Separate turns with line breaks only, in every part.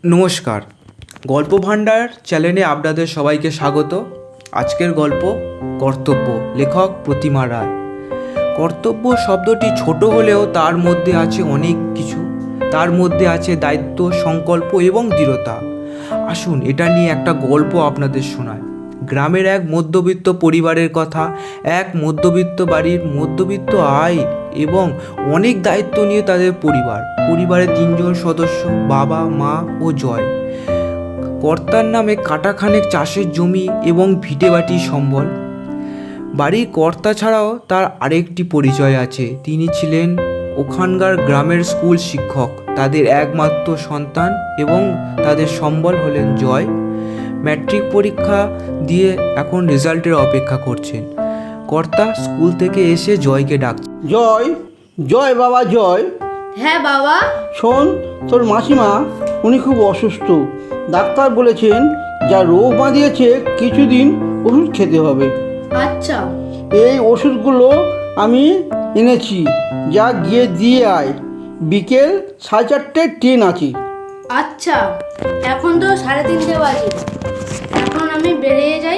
নমস্কার, গল্প ভাণ্ডার চ্যানেলে আপনাদের সবাইকে স্বাগত। আজকের গল্প কর্তব্য, লেখক প্রতিমা রায়। কর্তব্য শব্দটি ছোট হলেও তার মধ্যে আছে অনেক কিছু। তার মধ্যে আছে দায়িত্ব, সংকল্প এবং দৃঢ়তা। আসুন এটা নিয়ে একটা গল্প আপনাদের শোনায়। গ্রামের এক মধ্যবিত্ত পরিবারের কথা। এক মধ্যবিত্ত বাড়ির মধ্যবিত্ত আয় এবং অনেক দায়িত্ব নিয়ে তাদের পরিবারে 3জন সদস্য, বাবা, মা ও জয়। কর্তার নামে কাটাখানেক চাষের জমি এবং ভিটেবাটি সম্বল। বাড়ির কর্তা ছাড়াও তার আরেকটি পরিচয় আছে। তিনি ছিলেন ওখানকার গ্রামের স্কুল শিক্ষক। তাদের একমাত্র সন্তান এবং তাদের সম্বল হলেন জয়। ম্যাট্রিক পরীক্ষা দিয়ে এখন রেজাল্টের অপেক্ষা করছেন। কর্তা স্কুল থেকে এসে জয়কে ডাকছে।
জয়, জয় বাবা জয়।
হ্যাঁ বাবা।
শোন, তোর মাসিমা উনি খুব অসুস্থ। ডাক্তার বলেছেন যা রোগ বাঁধিয়েছে কিছুদিন ওষুধ খেতে হবে।
আচ্ছা।
এই ওষুধগুলো আমি এনেছি, যা গিয়ে দিয়ে আয়। বিকেল 4:30 ট্রেন আছে।
আচ্ছা, এখন তো 3:30 বাজে, এখন আমি বেরিয়ে যাই।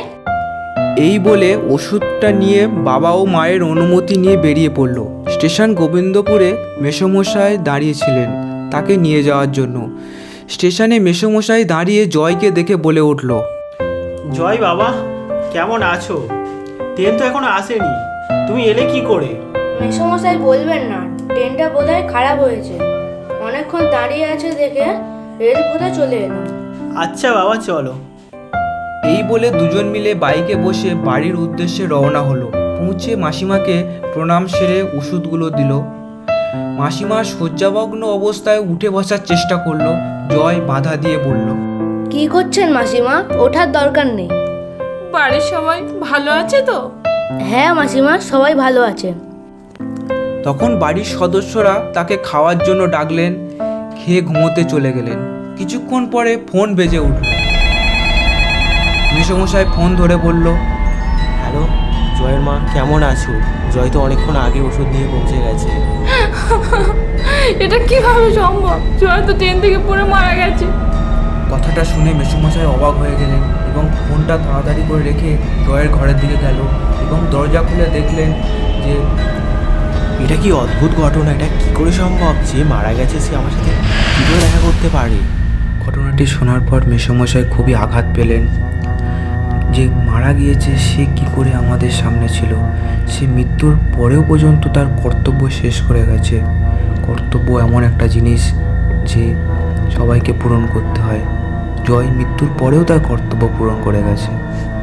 এই বলে ওষুধটা নিয়ে বাবা ও মায়ের অনুমতি নিয়ে বেরিয়ে পড়ল। স্টেশন গোবিন্দপুরে মেসোমশাই দাঁড়িয়েছিলেন তাকে নিয়ে যাওয়ার জন্য। স্টেশনে মেসোমশাই দাঁড়িয়ে জয়কে দেখে বলে উঠল,
জয় বাবা, কেমন আছো? ট্রেন তো এখনো আসেনি, তুমি এলে কি করে?
মেসোমশাই বলবেন না, ট্রেনটা বোধহয় খারাপ হয়েছে। অনেকক্ষণ দাঁড়িয়ে আছে দেখে রেল বোধহয় চলে এলো।
আচ্ছা বাবা, চলো।
এই বলে দুজন মিলে বাইকে বসে বাড়ির উদ্দেশ্যে রওনা হলো। পৌঁছে মাসিমাকে প্রণাম সেরে ওষুধগুলো দিল। মাসিমা শয্যাভগ্ন অবস্থায় উঠে বসার চেষ্টা করলো। জয় বাধা দিয়ে বলল,
কি করছেন মাসিমা? ওঠার দরকার নেই।
বাড়ির সবাই ভালো আছে তো?
হ্যাঁ মাসিমা, সবাই ভালো আছে।
তখন বাড়ির সদস্যরা তাকে খাওয়ার জন্য ডাকলেন। খেয়ে ঘুমোতে চলে গেলেন। কিছুক্ষণ পরে ফোন বেজে উঠল। মেসোমশাই ফোন ধরে বলল,
হ্যালো, জয়ের মা, কেমন আছো? জয় তো অনেকক্ষণ আগে ওষুধ নিয়ে পৌঁছে গেছে।
এটা কিভাবে সম্ভব? জয় তো ট্রেন থেকে পড়ে মারা গেছে।
কথাটা শুনে মেসোমশাই অবাক হয়ে গেলেন এবং ফোনটা তাড়াতাড়ি করে রেখে জয়ের ঘরের দিকে গেল এবং দরজা খুলে দেখলেন যে
এটা কি অদ্ভুত ঘটনা! এটা কি করে সম্ভব? যে মারা গেছে সে আমার সাথে কী করে দেখা করতে পারে?
ঘটনাটি শোনার পর মেসোমশাই খুবই আঘাত পেলেন যে মারা গিয়েছে সে কি করে আমাদের সামনে ছিল। সে মৃত্যুর পরেও পর্যন্ত তার কর্তব্য শেষ করে গেছে। কর্তব্য এমন একটা জিনিস যে সবাইকে পূরণ করতে হয়। জয় মৃত্যুর পরেও তার কর্তব্য পূরণ করে গেছে।